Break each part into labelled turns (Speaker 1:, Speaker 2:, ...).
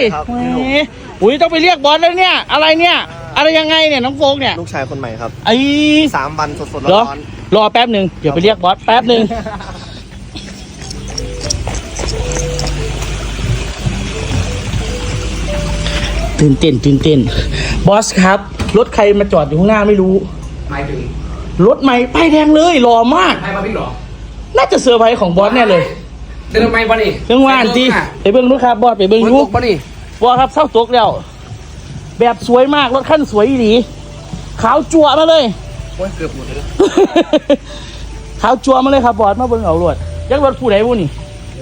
Speaker 1: อุ้ยต้องไปเรียกบอสแล้วเนี่ยอะไรเนี่ยอะไรยังไงเนี่ยน้องโฟกเนี่ย
Speaker 2: ลูกชายคนใหม่ครับ
Speaker 1: ไอ้
Speaker 2: 3 วันสดๆร้อน
Speaker 1: รอแป๊บหนึ่งเดี๋ยวไปเรียกบอสแป๊บหนึ่งตื่นเต้นบอสครับรถใครมาจอดอยู่ข้างหน้าไม่รู้
Speaker 3: หมายถึง
Speaker 1: รถใหม่ป้ายแดงเลยหล่อมาก
Speaker 3: ใครมาพี่หรอ
Speaker 1: น่าจะเซอร์ไพรส์ของบอสแน่เลย
Speaker 3: เดินทำไมบ้านี่
Speaker 1: เรื่องว่านทีไปเบิ้งลูกครับบอสไปเบิ้งลูก
Speaker 3: บ้านี่
Speaker 1: บอสครับเศร้าตกแล้วแบบสวยมากรถขั้นสวยดีขาวจั่วมาเลย
Speaker 3: โอ้ยเกือบหมดเลย
Speaker 1: ขาวจั่วมาเลยครับบอสมาเบิ้งเอารถยักษ์รถผู้ใดผู้นี่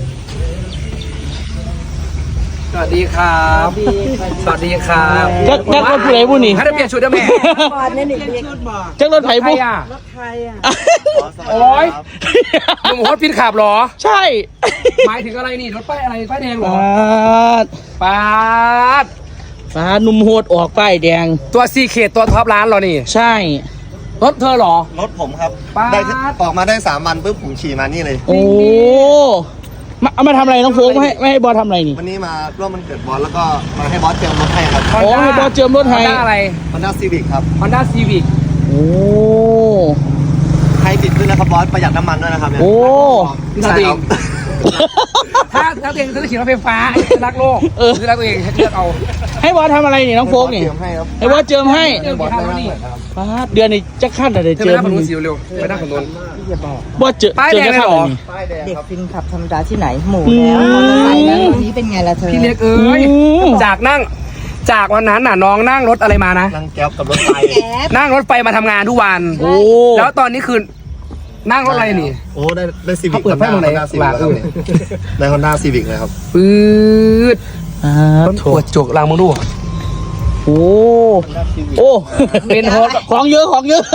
Speaker 3: สวัสดีครับสวัสดีครับ
Speaker 1: ยักษ์รถผู้ใดผู้นี่
Speaker 3: ให้ได้เปลี่ยนชุดได้ไหม
Speaker 4: บอดเนี่ยนี่เรียก
Speaker 1: ยักษ์รถไผ่ผู้
Speaker 4: รถไทยอ่ะ
Speaker 2: ๆ
Speaker 3: โอ้ยหนุ่มฮอตพินขับหรอ
Speaker 1: ใช่
Speaker 3: หมายถึงอะไรนี่รถป้ายอะไรป้ายแดงหรอปาด
Speaker 1: ฟ้านุ่มโหดออกป้ายแดง
Speaker 3: ตัวซีเคตัวท็อปร้านหรอนี่
Speaker 1: ใช่
Speaker 3: รถเธอหรอ
Speaker 2: รถผมครับ
Speaker 3: ป๊าด
Speaker 2: ได้ออกมาได้3 วันปุ๊บผมขี่มานี่เลย
Speaker 1: โอ้เอามาทำอะไรน้องโฟกไม่ให้บอสทำอะไรนี่
Speaker 2: วันนี้มาร่วมมันเกิดบอสแล้วก็มาให้บอสเจิมรถให้ครับ
Speaker 1: โอ้ให้บอสเจิมรถให้
Speaker 3: Honda อะไร
Speaker 2: Honda Civic ครับ
Speaker 3: Honda Civic
Speaker 1: โอ้
Speaker 2: ให้ติดขึ้นนะครับบอสประหยัดน้ำมันด้วยนะครับเนี่ย
Speaker 1: โอ้
Speaker 2: ใช่ครับ
Speaker 3: ถ้าตัวเองจะขี่รถไฟฟ้ารักโลกคือรักตัวเองเลือกเอา
Speaker 1: ให้บอสทำอะไรนี่น้องโฟกนี่
Speaker 2: เจิมให้ครับ
Speaker 1: ให้บอสเจิมให้
Speaker 2: บอสได้มากเลยครับ
Speaker 1: ป้าดเดือนนี้จะขั้นอะไร
Speaker 3: เธอ
Speaker 1: เจิ
Speaker 3: ไป
Speaker 1: ม
Speaker 3: นั่งฝั่งนู้นสิเร็วไปนั่งฝั่งนู้น
Speaker 1: บอสเจอ
Speaker 3: ป้าย
Speaker 1: เจ
Speaker 3: แด
Speaker 1: อง จะ
Speaker 3: เลย
Speaker 1: ขั้น
Speaker 3: เหร
Speaker 1: อะไร
Speaker 3: อ
Speaker 1: นี่
Speaker 2: ป้ายแดง
Speaker 4: เด็ก
Speaker 2: ครับ
Speaker 4: ฟินขับธรรมดาที่ไหนหมูแล้วมอเตอร์ไซค์แล้ววันนี้เป็นไงล่ะเธอ
Speaker 3: พี่เล็กเอ้ยจากวันนั้นน่ะน้องนั่งรถอะไรมานะ
Speaker 2: นั่งแก๊ปกับรถไฟ
Speaker 4: แก๊ป
Speaker 3: นั่งรถไฟมาทำงานทุกวัน
Speaker 1: โอ้
Speaker 3: แล้วตอนนี้คือนั่งรถอะไรนี่
Speaker 2: โอ้ได้ซีวิ
Speaker 3: เขา
Speaker 2: ก
Speaker 3: เปิดไฟตรงไหน
Speaker 2: Honda Civic ครับได้ Honda Civic เลยครับ
Speaker 3: ปื๊ด
Speaker 1: ร
Speaker 3: ร
Speaker 1: ถ
Speaker 3: ถ
Speaker 1: ทั
Speaker 3: ป
Speaker 1: ว
Speaker 3: วดจุกลางมึงดู
Speaker 1: โอ้โอ้เป็นของเยอะ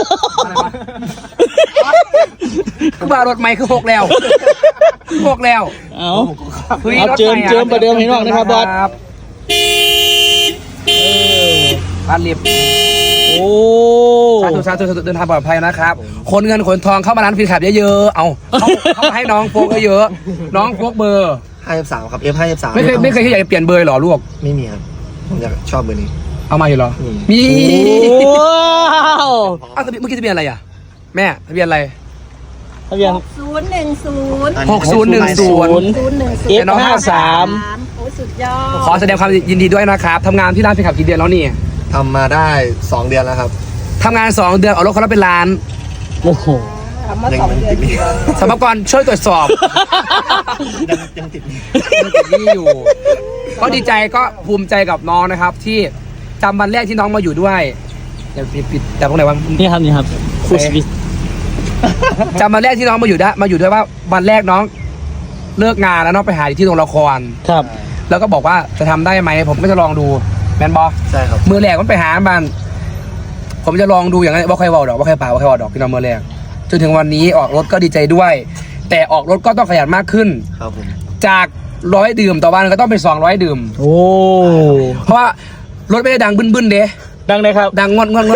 Speaker 3: คือว่ารถใหม่คือ6แล้ว6แล้ว
Speaker 1: เอาเจิมประเดิมให้น้องนะครับบอส
Speaker 3: บ้านเรียบ
Speaker 1: โอ้
Speaker 3: สาธุเดินทางปลอดภัยนะครับคนเงินขนทองเข้ามาร้านฟินขับเยอะๆเอาเข้ามาให้น้องโฟกเยอะๆน้องโฟกเบอร์
Speaker 2: 53ครับ F53
Speaker 3: ไม่เคยที่อยากจะเปลี่ยนเบอร์หรอลูก
Speaker 2: ไม่มีครับผมอยากชอบเบอร์นี้
Speaker 3: เอามาอยู่หรอมี
Speaker 1: ว้าว
Speaker 3: อ้าวเมื่อกี้ทะเบียนอะไรอ่ะแม่ทะเบียนอะไร
Speaker 1: ทะเบียน
Speaker 4: 6010
Speaker 3: 6010
Speaker 1: F53
Speaker 4: โอ้สุดยอด
Speaker 3: ขอแสดงความยินดีด้วยนะครับทำงานที่ร้านฟินขับกี่เดือนแล้วนี่
Speaker 2: ทำมาได้ 2 เดือนแล้วครับ
Speaker 3: ทำงาน2 เดือนเอารถเขาแล้วเป็นล้าน
Speaker 1: โอ้โห
Speaker 4: ทำมา2 เดือน
Speaker 3: สมภากรช่วยตรวจสอบ
Speaker 2: ยังติด
Speaker 3: นี่อยู่ ก็ดีใจก็ภูมิใจกับน้องนะครับ ที่จำวันแรกที่น้องมาอยู่ด้วยอย่าปิดแต่ตรงไหนวะ
Speaker 1: นี่ครับครูสวิส
Speaker 3: จำวันแรกที่น้องมาอยู่ด้วยว่าวันแรกน้องเลิกงานแล้วน้องไปหาที่โรงละคร
Speaker 1: ครับ
Speaker 3: แล้วก็บอกว่าจะทำได้ไหมผมก็จะลองดูแมนบอ
Speaker 2: ใช่ครับ
Speaker 3: มือแรกมันไปหามันผมจะลองดูอย่างนั้นว่าใครบอกดอกว่าใครป่าว่าใครบอกดอกพี่น้องมือแรกจนถึงวันนี้ออกรถก็ดีใจด้วย แต่ออกรถก็ต้องขยันมากขึ้น
Speaker 2: ครับผม
Speaker 3: จาก100 ดื่มต่อวันก็ต้องเป็น200 ดื่ม
Speaker 1: โอ้
Speaker 3: เพราะว่ารถไม่ได้ดังบึ้นๆเด้
Speaker 1: ดังเลยครับ
Speaker 3: ดังงอน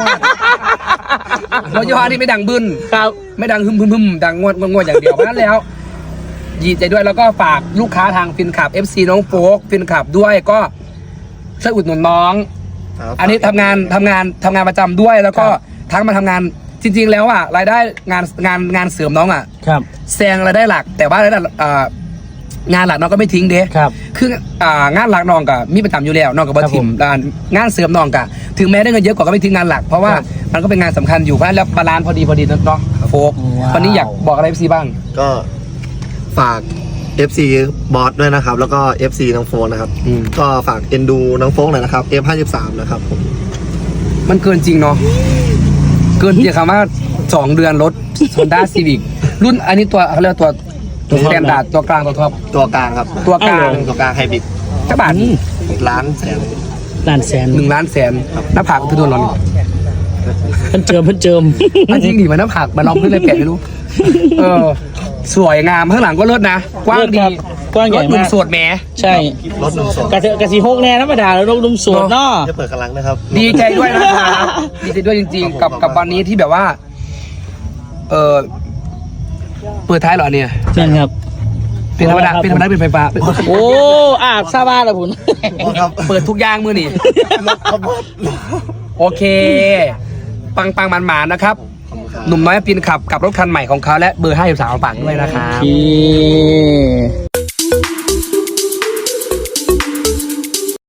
Speaker 3: รถยี่ห้อนี้ไม่ดังบึ้น
Speaker 1: ครับ
Speaker 3: ไม่ดังฮึมดังงวดอย่างเดียวเพราะฉะนั้นแล้วดีใจด้วยแล้วก็ฝากลูกค้าทางฟินขับ FC น้องโฟกฟินขับด้วยก็ช่วยอุดหนุนน้อง
Speaker 2: ครับ
Speaker 3: อันนี้ทำงานประจำด้วยแล้วก็ทั้งมาทำงานจริงๆแล้วอ่ะรายได้งานเสริมน้องอ่ะ
Speaker 1: ครับ
Speaker 3: แซงรายได้หลัก แต่ว่ารายได้งานหลักน้องก็ไม่ทิ้งเด้
Speaker 1: ครับ
Speaker 3: คืองานหลักน้องก็มีประจำอยู่แล้วน้องกับบัทิมงานเสริมน้องก็ถึงแม้ได้เงินเยอะกว่าก็ไม่ทิ้งงานหลักเพราะว่ามันก็เป็นงานสำคัญอยู่เพราะฉะนั้นแล้วบาลานซ์พอดีเนาะโฟกวันนี้อยากบอกอะไรFCบ้าง
Speaker 2: ก็ฝาก FC บอสด้วยนะครับ แล้วก็ FC น้องโฟนนะครับ ก็ฝากเอ็นดูน้องโฟกหน่อยนะครับ F53 นะครับผม
Speaker 3: มันเกินจริงเนาะเกินจริงคำว่า2 เดือนรถ Honda Civic รุ่นอันนี้ตัวเขาเรียกตัวสแตนดาร์ดตัวกลางตัวท็อป
Speaker 2: ตัวกลางครับ
Speaker 3: ตัวกลาง
Speaker 2: ตัวกลางไฮบริด
Speaker 3: กระบาด
Speaker 2: ล้านแสน
Speaker 1: ล้านแสน
Speaker 3: 1 ล้านแสนหน้าผากคือโดนร้อน
Speaker 1: เพิ่นเจิม
Speaker 3: อันจริงดิมันหน้าผากมันลองขึ้นเลยแปะไม่รู้สวยงามข้างหลังก็เลิศนะกว้างดี
Speaker 1: กว้างใหญ่
Speaker 3: รถหนุ่
Speaker 1: มาม ก
Speaker 3: โสดแหม
Speaker 1: ใช่
Speaker 2: รถหนุ่มโสด
Speaker 1: กระสีหกแน่ธรรมดาแล้วลงนุ่มสวดเนาะ
Speaker 2: จะเปิดกำลังนะครับ
Speaker 3: ดีใจด้วยนะครับดีใจด้วยจริงๆ กับวันนี้ที่แบบว่าเปิดท้ายเหรอเนี่ย
Speaker 1: นั่นครับ
Speaker 3: เป็นธรรมดาเป็นไฟฟ้า
Speaker 1: โอ้ซาบ้าละคุณ
Speaker 2: ครับ
Speaker 3: เปิดทุกอย่างมือนี่
Speaker 2: ครับบอส
Speaker 3: โอเค ปังมันๆนะครับ หนุ่มน้อยปีนขับกับรถคันใหม่ของเขาและเบอร์53ฝากด้วยนะครับ
Speaker 1: โอเค